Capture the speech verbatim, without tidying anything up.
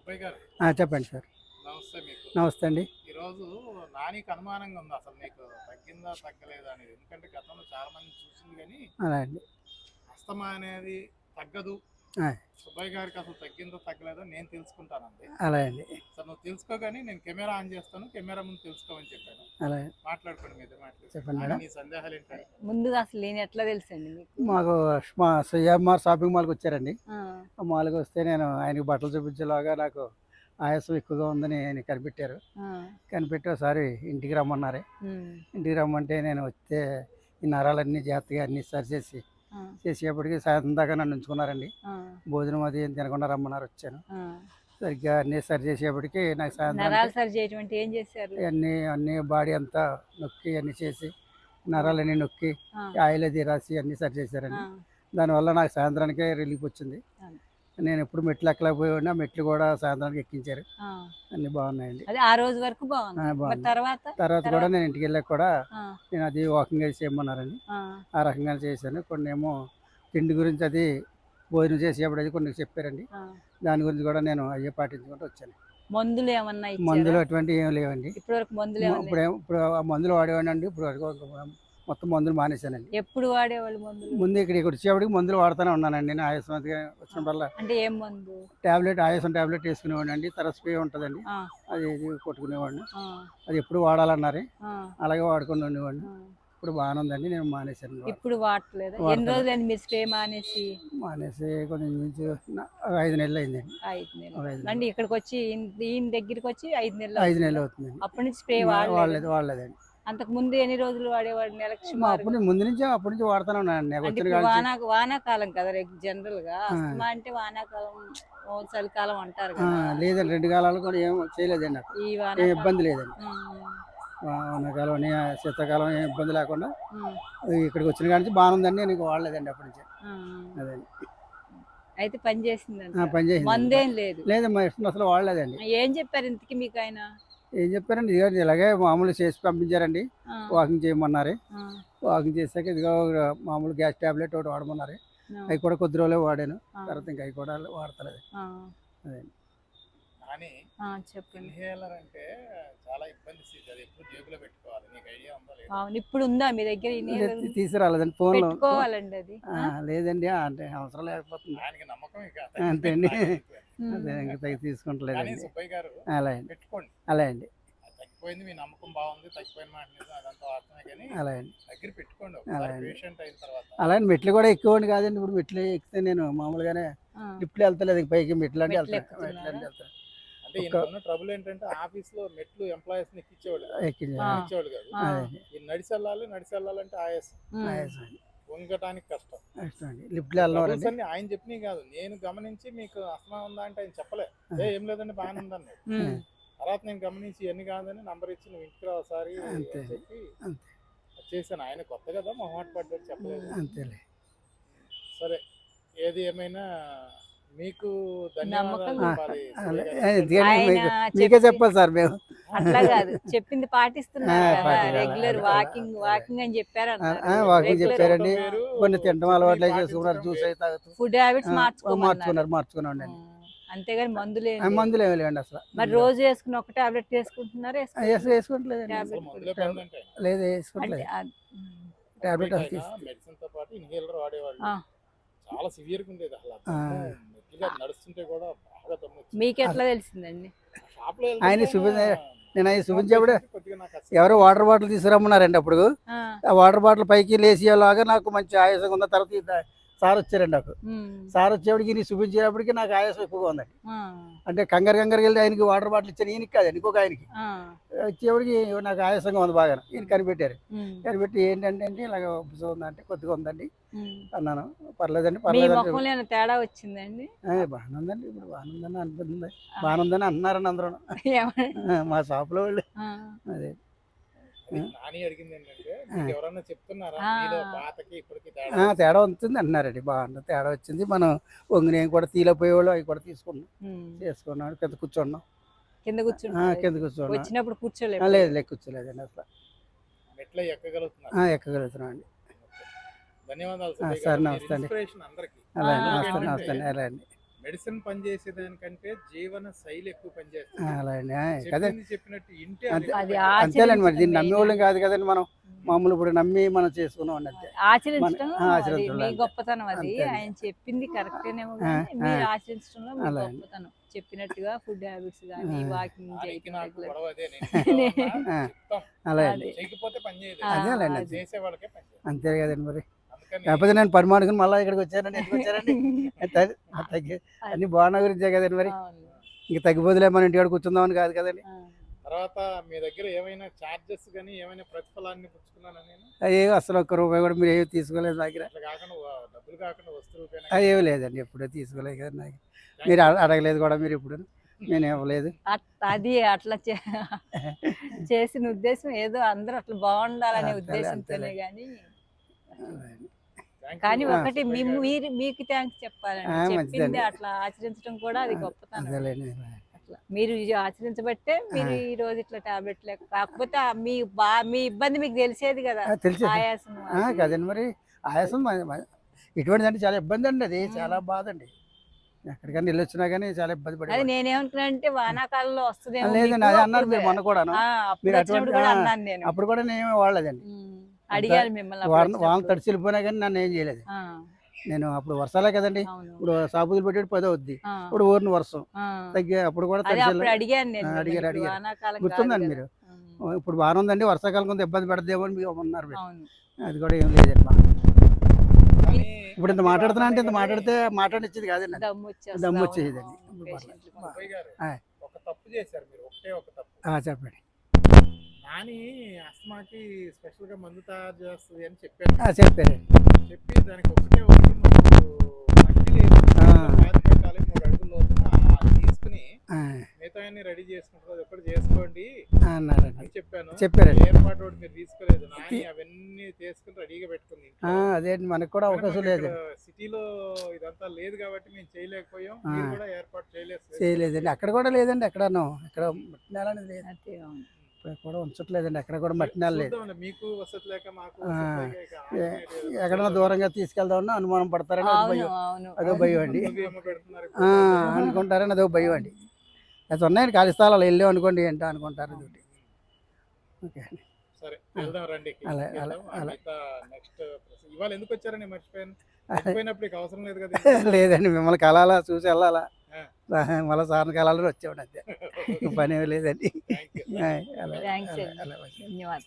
సుబ్బయ్య గారు ఆ, చెప్పండి సార్. నమస్తే. మీకు నమస్తే అండి. ఈరోజు నానికి అనుమానంగా ఉంది అసలు నీకు తగ్గిందా తగ్గలేదా అనేది. ఎందుకంటే గతంలో చాలా మంది చూసింది కానీ అలా అండి. అస్తమా అనేది తగ్గదు, ఆ, సుబ్బయ్య గారికి అసలు తగ్గిందో తగ్గలేదో నేను తెలుసుకుంటానండి. అలా అండి. సార్ నువ్వు తెలుసుకోగాని నేను కెమెరా ఆన్ చేస్తాను, కెమెరా ముందు తెలుసుకోమని చెప్పాను. అలా మాట్లాడుకోండి, మీద మాట్లాడు. చెప్పండి నాని, మేడం. నీ సందేహాలు ఏంటంటే ముందుగా అసలు నేను ఎట్లా తెలుసండి మీకు? మాకు మా సిఎంఆర్ షాపింగ్ మాల్కి వచ్చారండి. ఆ, ఆ మాల్కి వస్తే నేను ఆయనకి బట్టలు చూపించేలాగా నాకు ఆయాసం ఎక్కువగా ఉందని ఆయన కనిపెట్టారు. ఆ, కనిపెట్టి ఒకసారి ఇంటికి రమ్మన్నారు. ఉమ్, ఇంటికి రమ్మంటే నేను వస్తే ఈ నరాలన్నీ జాగ్రత్తగా అన్నీ సరి చేసి ఆ, చేసేపటికి సాయంత్రం దాకా నన్ను ఉంచుకున్నారండి. ఆ, భోజనం అది ఏం తినకుండా రమ్మన్నారు. వచ్చాను. ఆ. సరిగ్గా అన్నీ సరి చేసేపటికి నాకు సాయంత్రం నరాలు సరి చేయటం అంటే ఏం చేశారు? అన్నీ అన్నీ బాడీ అంతా నొక్కి అన్నీ చేసి నరాలన్నీ నొక్కి ఆ, ఆయిల్ అది రాసి అన్నీ సరి ఆ, చేశారండి. దానివల్ల నాకు సాయంత్రానికే రిలీఫ్ వచ్చింది. ఆ, నేను ఎప్పుడు మెట్లు ఎక్కలేకపోయినా మెట్లు కూడా సాయంత్రానికి ఎక్కించారు. ఆ. అన్నీ బాగున్నాయండి. అదే ఆ రోజు వరకు బాగుంది. ఆ, మరి బాగుంది. తర్వాత తర్వాత కూడా నేను ఇంటికి వెళ్ళాక కూడా ఆ, నేను అది వాకింగ్ అది చేయమన్నారండి. ఆ, ఆ రకంగా చేశాను. కొన్ని ఏమో తిండి గురించి అది భోజనం చేసేప్పుడు అది కొన్ని చెప్పారండి. ఆ. దాని గురించి కూడా నేను అయ్యే పాటించుకుంటూ వచ్చాను. మందులు ఏమన్నా మందులు ఇచ్చారా? అటువంటివి ఏం లేవండి. ఇప్పటి వరకు మందులు మ- ఏమన్నా? ఇప్పుడు ఏం- ఇప్పుడు ఆ మందులు వాడేవాడినండి. ఇప్పుడు వరకు ఒక మొత్తం మందులు మానేశానండి. ఎప్పుడు వాడేవాళ్ళు మందులు? ముందు ఇక్కడ ఇక్కడ వచ్చేప్పటికి మందులు వాడుతూనే ఉన్నానండి. నేను ఆయాసం అది వచ్చినప్పుడల్లా అంటే ఏం మందు? టాబ్లెట్ ఆయాసం టాబ్లెట్ వేసుకునేవాడిని అండి. తర్వాత స్ప్రే ఉంటుందండి, ఆ, అది ఇది కొట్టుకునేవాడిని. ఆ, అది ఎప్పుడు వాడాలన్నారు, ఆ, అలాగే వాడుకొని ఉండేవాడిని. ఆ. ఇప్పుడు బాగానే ఉందండి. నేను మానేశాను. ఇప్పుడు వాడట్లేదా? ఎన్ని వాడతలేదు. రోజులండి మీరు స్ప్రే మానేసి? మానేసి కొంచెం నుంచి నా- ఒక ఐదు నెలలు అయిందండి. ఐదు నెలలు. ఒక ఐదు అంటే ఇక్కడికి వచ్చి ఈయన ఈయన దగ్గరికి వచ్చి ఐదు నెలలు ఐదు అవుతుందా? నెలలు అవుతుందండి. అప్పటి నుంచి స్ప్రే వాడలేదు వాడలేదు. వాడలేదండి. అంతకు ముందు ఎన్ని రోజులు వాడేవాడు? నెలకు మా సుమారుగా? అప్పుడు ముందు నుంచి అప్పటి నుంచి వాడుతూనే ఉన్నానండి. నాకు అంటే వచ్చిన ఇప్పుడు కాడ వానా వానాకాలం కదా జనరల్ గా. ఆ. అస్తమా అంటే వానాకాలం, ఓ చలికాలం అంటారు ఆ, కదా. లేదండి, రెండు కాలాలు కూడా ఏం చేయలేదండి. నాకు ఈ ఏం వానాకాలం ఇబ్బంది లేదండి. ఉమ్, వానాకాలం అని, శీతాకాలం ఏం ఇబ్బంది లేకుండా ఉమ్, ఇక్కడికి వచ్చిన కాడ నుంచి బాగానే ఉందండి. నేను వాడలేదండి అప్పటి నుంచి. ఉమ్. అదండి. అయితే పని చేసిందంట. ఆ, పని చేసింది. మందేం లేదు. లేదు, మా ఇష్టం అసలు వాడలేదండి. ఏం చెప్పారు ఇంతకి మీకు ఆయన? ఏం చెప్పారండి, ఇదిగో ఇలాగే మామూలు చేసి పంపించారండి. ఆ, వాకింగ్ చేయమన్నారు. ఆ, వాకింగ్ చేశాక ఇదిగో మామూలు గ్యాస్ టాబ్లెట్ ఒకటి వాడమన్నారు. ఆ, అవి కూడా కొద్ది రోజులే వాడాను. ఆ, తర్వాత ఇంకా అవి కూడా వాడతలేదు. ఆ, అదండి. నాని, ఆ, చెప్పండి. ఇన్హేలర్ అంటే చాలా ఇబ్బంది స్థితి. అది ఎప్పుడు జేబులో పెట్టుకోవాలి. నీకు ఐడియా ఉందా లేదా? అవును, ఇప్పుడు ఉందా మీ దగ్గర ఇన్హేలర్? లేదు, తీసుకురాలేదండి. ఫోన్లో పెట్టుకోవాలండి అది. ఆ, లేదండి, అంటే అవసరం లేకపోతుంది. ఆయనకి నమ్మకం ఇక అంతే అండి. ఉమ్. అదే ఇంకా తగ్గి కానీ తీసుకుంటలేదండి. సుబ్బయ్య గారు అలా అండి. పెట్టుకోండి. అలా అండి. అది తగ్గిపోయింది, మీ నమ్మకం బాగుంది, తగ్గిపోయిన మాట నిజం, అదంతా వాస్తవమే. కానీ అలా అండి. దగ్గర పెట్టుకోండి అలా ఒకసారి అండి. పేషెంట్ అయిన తర్వాత. అలా అని మెట్లు కూడా ఎక్కువండి కాదండి. ఇప్పుడు మెట్లు ఎక్కితే నేను మామూలుగానే ఆ, లిఫ్ట్లు వెళ్తలేదు. ఇంక పైకి మెట్లు అంటే మెట్లు వెళ్తాను. ఎక్కుతున్నారా? మెట్లు అంటే వెళ్తాను. అంటే ఈయన ఉన్న ట్రబుల్ ఏంటంటే ఆఫీస్ లో మెట్లు ఎంప్లాయీస్ ని ఎక్కించేవాళ్ళు కాదు. ఎక్కింది. ఆ. ఎక్కించేవాళ్ళు కాదు. ఆ, అదే ఈ నడిచి వెళ్ళాలి, నడిచి వెళ్ళాలంటే ఆయాసం, ఉమ్, ఆయాసం అండి. వంగటానికి కష్టం. కష్టం అండి. లిఫ్ట్లు ట్రబుల్స్ వెళ్ళవారండి. అన్ని ఆయన చెప్పినవి కాదు, నేను గమనించి మీకు అస్తమా ఉందా అంటే ఆయన చెప్పలే. ఏ ఏం లేదండి బాగానే ఉందన్నాడు. ఉమ్. తర్వాత నేను గమనించి ఇవన్నీ కాదని నంబర్ ఇచ్చి నువ్వు ఇంటికి రా ఒకసారి అంతే. అని చెప్పి అంతే. చేశాను. ఆయన కొత్త కదా, మొహమాట పడ్డాడు, చెప్పలేదు. అంతేలే. సరే, ఏది ఏమైనా మీకు ధన్యవాదాలు నమ్మకం. చెప్పాలి అలా సుబ్బయ్య గారు. ఎందుకంటే ఆయన మీకు మీకే చెప్పి చెప్పాలి సార్ మేము. అట్లా కాదు, చెప్పింది పాటిస్తున్నారు ఆ, కదా. పాటించాలి. రెగ్యులర్ అలా- వాకింగ్ అలా- వాకింగ్ అని చెప్పారు ఆ, అన్నారు. ఆ, వాకింగ్ రెగ్యులర్ చెప్పారండి. వేరు, కొన్ని తింటం చెప్పి అలవాట్లు పాటించడం చేసుకున్నారు. జ్యూస్ వేరు. అయితే తాగుతూ ఫుడ్ హ్యాబిట్స్ ఆ, మార్చుకోమన్నారు. మార్చుకున్నారు మార్చుకున్నాండి. అంతేగాని మందులు ఏం ఆ, లేదు. మందులు ఏమి లేవండి అసలు. మరి రోజు వేసుకుని ఒక టాబ్లెట్ వేసుకుంటున్నారా? ఆ, వేసు వేసుకోవట్లేదండి. టాబ్లెట్ అసలు మందులే పనులంటే ఆయన. లేదు, అంటే వేసుకోవట్లేదు. ఆ- ఉమ్. టాబ్లెట్ ఆయన తీసుకు మెడిసిన్ తో పాటు ఇన్హేలర్ వాడేవాళ్ళు. ఆ. చాలా సివియర్ గా ఉండేది అసలు. ఆ. మెట్లుగా నడుస్తుంటే కూడా బాగా దమ్ము వచ్చేది. మీకు ఎట్లా తెలిసిందండి? షాప్ లో ఆయన వెళ్తుంటే చూపించ ఆయన నేను అవి చూపించేప్పుడు కొద్దిగా నాకు అసలు ఎవరో వాటర్ బాటిల్ తీసుకురమ్మన్నారండి. అప్పుడు ఆ, ఆ వాటర్ బాటిల్ పైకి లేచేలాగా నాకు మంచి ఆయాసంగా ఉన్న తర్వాత ఈ దా- సార్ వచ్చారండి. నాకు ఉమ్, సార్ వచ్చేప్పటికి నీ చూపించేటప్పటికి నాకు ఆయాసం ఎక్కువగా ఉందండి. ఆ, అంటే కంగారు కంగారు వెళ్ళి ఆయనకి వాటర్ బాటిల్ ఇచ్చాను. ఈయనకి కాదండి, ఇంకొక ఆయనకి ఆ, వచ్చేప్పటికి నాకు ఆయాసంగా ఉంది బాగా. ఈయన కనిపెట్టారు. ఉమ్, కనిపెట్టి ఏంటంటే అంటే ఇలాగ ఉబ్బసం ఉందంటే కొద్దిగా ఉందండి ఉమ్. అన్నాను. పర్లేదండి మీ పర్లేదండి. ముఖంలో ఏమైనా తేడా వచ్చిందండి? ఆ, బాగానే ఉందండి, ఇప్పుడు బాగానే ఉందని అనిపిస్తుంది. బాగానే ఉందని అంటున్నారండి అందరూ. ఏమని? ఆ, మా షాప్లో వాళ్ళు. ఆ, అదే. అది నాని అడిగింది ఏంటంటే మీకు ఎవరన్నా చెప్తున్నారా ఆ. మీలో పాతకి ఇప్పటికి ఆ, తేడా? తేడా ఉంటుంది అంటున్నారండి. బాగుంది, తేడా వచ్చింది. మనం వంగినేం కూడా తీలపోయేవాళ్ళు అవి కూడా తీసుకున్నాం, ఉమ్. చేసుకున్నాం. కింద కూర్చున్నాం. కింద ఆ, కూర్చుంటారు. కింద కూర్చున్నాం. వచ్చినప్పుడు ఆ, కూర్చోలేదు. లేదు లేదు, కూర్చోలేదండి అసలు. మెట్ల ఎక్కగలుగుతున్నారు. ఆ, ఎక్కగలుగుతున్నాం అండి. ధన్యవాదాలు ఆ, సుబ్బయ్య సరే, గారు. మీరు నమస్తే అండి. ఇన్స్పిరేషన్ అందరికీ. అలా అండి. ఆ. నమస్తే ఏంటంటే నమస్తే అండి. అలా అండి. మెడిసిన్ పనిచేసేదానికంటే జీవన శైలి ఎక్కువ ఆ, పనిచేస్తుంది. అలా అండి ఆ, కదే చెప్పింది చెప్పినట్టు ఇంటే అంతే. అది అది ఎక్కువ పనిచేస్తుంది. అంతేలేండి మరి దీన్ని ఆచరించడం నమ్మేవాళ్ళం మెయిన్. కాదు కదండి మనం మామూలు ఇప్పుడు నమ్మి మనం చేసుకున్నాం అండి అంతే ఆచరించడం మన- ఆ, అది ఆచరించడం మీ అంతే. గొప్పతనం. అది అంతే అండి. ఆయన చెప్పింది కరెక్టేనేమో ఆ, కానీ ఆ, మీరు ఆచరించడంలో మీ అలా అండి. గొప్పతనం. చెప్పినట్టుగా ఫుడ్ హ్యాబిట్స్ కానీ ఆ. వాకింగ్ దానికి చేయటం నాకు రెగ్యులర్. గొడవ అదే. నేను ఇంట్లో ఉన్నా ఆ, చెప్తాం, అలా అండి అది చేయకపోతే పని చేయదు. ఆ, అదేలేండి అది. అంతే చేసే వాళ్ళకే పని చేయదు. అంతే కదండి మరి అందుకని కాకపోతే నేను పరిమాణుకుని మళ్ళీ ఇక్కడికి వచ్చానండి ఎందుకు వచ్చారండి తగ్గి తగ్గి అన్ని బాగున్నా గురించే కదండి మరి అవును. ఇంక తగ్గిపోతులే మన ఇంటికాడ కూర్చుందామని కాదు కదండి ఆ. తర్వాత మీ దగ్గర ఏమైనా చార్జెస్ కానీ ఏమైనా ప్రతిఫలాన్ని పుచ్చుకున్నానా నేను? అవి అసలు ఒక్క రూపాయి కూడా మీరు ఏమి తీసుకోలేదు నా దగ్గర అట్లా కాకుండా వా- డబ్బులు కాకుండా వస్తు రూపేనా అవి ఏమి లేదండి ఎప్పుడూ తీసుకోలేదు కదా నాకు మీరు అడ- అడగలేదు కూడా మీరు ఇప్పుడు నేను ఇవ్వలేదు అట్- అది అట్లా చే- చేసిన ఉద్దేశం ఏదో అందరూ అట్లా బాగుండాలనే అంతేలే, ఉద్దేశంతోనే అంతేలే. కానీ Thank కానీ you, ఒకటి సుబ్బయ్య మేము గారు. మీరు మీకు థ్యాంక్స్ చెప్పాలండి. ఆ, చెప్పింది మంచిదండి. అట్లా ఆచరించడం కూడా అది గొప్పతనం. అదేలేండి అట్లా మీరు ఇది ఆచరించబట్టే మీరు ఆ. ఈ రోజు ఇట్లా టాబ్లెట్ లేక కాకపోతే ఆ మీ బా మీ ఇబ్బంది మీకు తెలిసేది కదా. ఆ, తెలిసే ఆయాసం ఆ, అది. కదండి మరి ఆయాసం మ- మ- ఇటువంటిది అంటే చాలా ఇబ్బంది అండి అది చాలా బాధ అండి ఎక్కడికైనా వెళ్ళి వచ్చినా కానీ చాలా ఇబ్బంది అది పడి నేనేమనుకున్నా అంటే వానాకాలంలో వస్తుందేమో లేదండి మీకు. అదే అన్నారు అప్పుడు మీరు మొన్న కూడాను ఆ, అప్పుడు మీరు వచ్చినప్పుడు అటువంటి- కూడా ఆ, అన్నాను నేను. అప్పుడు కూడా నేను ఏమీ వాడలేదండి ఉమ్, అడిగాను మిమ్మల్ని అప్పుడు వారం వారం వచ్చినప్పుడు. తడిచి వెళ్ళిపోయినా కానీ నన్ను ఏం చేయలేదు ఆ, నేను అప్పుడు వర్షాలే కదండి అవును. ఇప్పుడు సాబుదులు పెట్టేది పదో వద్ది ఆ, ఇప్పుడు ఊరిని వర్షం ఆ. తగ్గి అప్పుడు కూడా అదే తడిచి అప్పుడు వెళ్ళ- అడిగాను నేను ఆ, మిమ్మల్ని. అడిగారు, ఇప్పుడు అడిగారు. వానాకాలం కాదు గుర్తుందండి కదా. మీరు ఉమ్, ఇప్పుడు బాగానే ఉందండి వర్షాకాలం కొంత ఇబ్బంది పెడదేమో అని మీరు అన్నారు మీరు. అవును. అది కూడా ఏం లేదండి మాకు. కానీ ఇప్పుడు ఇంత అన్ని మాట్లాడుతున్నా అంటే ఇంత బాగానే మాట్లాడితే మాట్లాడిచ్చేది కాదండి నాకు. దమ్ము వచ్చేస్తుంది. దమ్ము అవును, వచ్చేదండి. అవును, ఇప్పుడు పేషెంట్లు పర్లేదు. కూడా. సుబ్బయ్య గారు ఆ. ఒక తప్పు చేశారు మీరు, ఒకటే ఒక తప్పు. ఆ, చెప్పండి నాని అస్మాకి స్పెషల్ గా మందు తయారు చేస్తుంది అని చెప్పారు. ఆ, చెప్పారండి చెప్పి దానికి ఒకటే ఒకటి మాకు మట్టి లేదు, ఆ. పాతి పెట్టాలి మూడు అడుగుల లోతున అది తీసుకుని ఆ, మిగతా రెడీ చేసుకుంటారు, అది ఒకటి చేసుకోండి ఆ, అన్నారండి అని చెప్పాను. చెప్పారండి. ఏర్పాటు ఒకటి మీరు తీసుకోలేదు. నాని అవన్నీ చేసుకుని రెడీగా పెట్టుకుంది ఇంట్లో. ఆ, అదే మనకు కూడా కానీ అవకాశం మాకు లేదు ఇక్కడ సిటీలో ఇదంతా లేదు కాబట్టి మేము చేయలేకపోయాం. ఆ. మీరు కూడా ఏర్పాటు చేయలేదు. చేయలేదండి అక్కడ కూడా లేదండి ఎక్కడను ఇక్కడ మట్టి నేల అనేది లేదు అదే, అవును. ఇక్కడ కూడా ఉంచట్లేదండి ఎక్కడ కూడా మట్టి నేల లేదు చూద్దామండి, మీకు వసతి లేక మాకు ఆ. వసతి లేక ఇక ఏ- alternate ఏదో ఎక్కడన్నా చూద్దాం. దూరంగా తీసుకెళ్దామన్నా అనుమానం పడతారని అది అవును, భయం అవును. అదో భయం అండి ముందుగా ఏమో పెడుతున్నారు ఆ, ఇప్పుడు. అనుకుంటారని అదో భయం అండి అది ఉన్నాయండి ఖాళీ స్థలాలు వెళ్ళాం అనుకోండి ఏంటో అనుకుంటారు ఇదొకటి. ఓకే అండి సరే వెళ్దాం రండి. అలా, ఇంటికి అలా, వెళ్దాం. ఆ అలా. మిగతా నెక్స్ట్ ఇవాళ ఎందుకు వచ్చారని మర్చిపోయాను. మర్చిపోయినప్పుడు ఇక అవసరం లేదు కదా. లేదండి మిమ్మల్ని కలాలా చూసి వెళ్ళాలా ఆ. మళ్ళీ సార్ని కలాలని వచ్చామండి అంతే పని ఏమీ లేదండి థ్యాంక్ యూ. ఆ, అలా థ్యాంక్స్ అలా అండి. అలా ధన్యవాదాలు.